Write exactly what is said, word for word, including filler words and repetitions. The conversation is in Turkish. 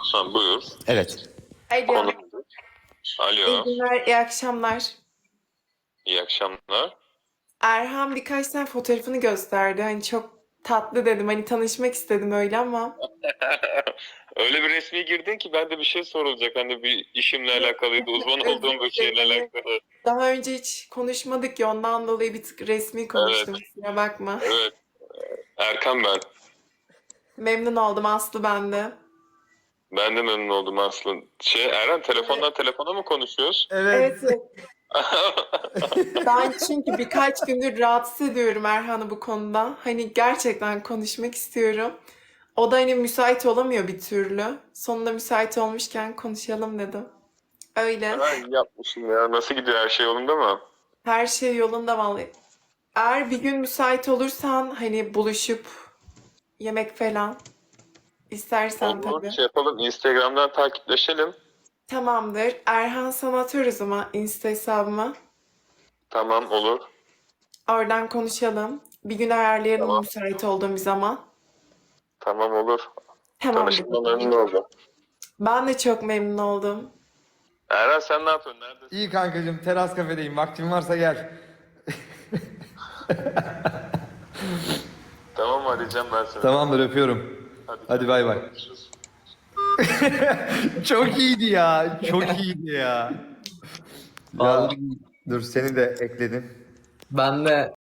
Ha, buyur. Evet. Alo. Konu. İyi Alo. günler, iyi akşamlar. İyi akşamlar. Erhan birkaç tane fotoğrafını gösterdi. Hani çok tatlı dedim. Hani tanışmak istedim öyle ama. Öyle bir resmi girdin ki ben de bir şey sorulacak. Hani bir işimle alakalıydı. Uzman Özür olduğum bir şeyle dilerim. alakalı. Daha önce hiç konuşmadık ya ondan dolayı bir tık resmi Evet. konuştum. Kusura bakma. Evet. Erkan ben. Memnun oldum Aslı ben de. Ben de memnun oldum aslında. Şey Eren telefondan telefona mı konuşuyoruz? Evet, Evet. evet. Ben çünkü birkaç gündür rahatsız ediyorum Erhan'ı bu konuda. Hani gerçekten konuşmak istiyorum. O da hani müsait olamıyor bir türlü. Sonunda müsait olmuşken konuşalım dedim. Öyle. Ha, iyi yapmışsın ya. Nasıl gidiyor, her şey yolunda mı? Her şey yolunda vallahi. Eğer bir gün müsait olursan hani buluşup yemek falan istersen Olur. tabii. Şey yapalım. Instagram'dan takipleşelim. Tamamdır. Erhan sana atarız ama Insta hesabıma. Tamam, olur. Oradan konuşalım. Bir gün ayarlayalım Tamam. müsait olduğum bir zaman. Tamam, olur. Tamamdır. Tanıştığıma memnun oldum. Ben de çok memnun oldum. Eren sen ne yapıyorsun? Neredesin? İyi kankacığım, teras kafedeyim. Vaktin varsa gel. Tamam, arayacağım ben seni. Tamamdır, öpüyorum. Hadi, Hadi bay bay. görüşürüz. Çok iyiydi ya. Çok iyiydi ya. Ya Vallahi dur, seni de ekledim. ben de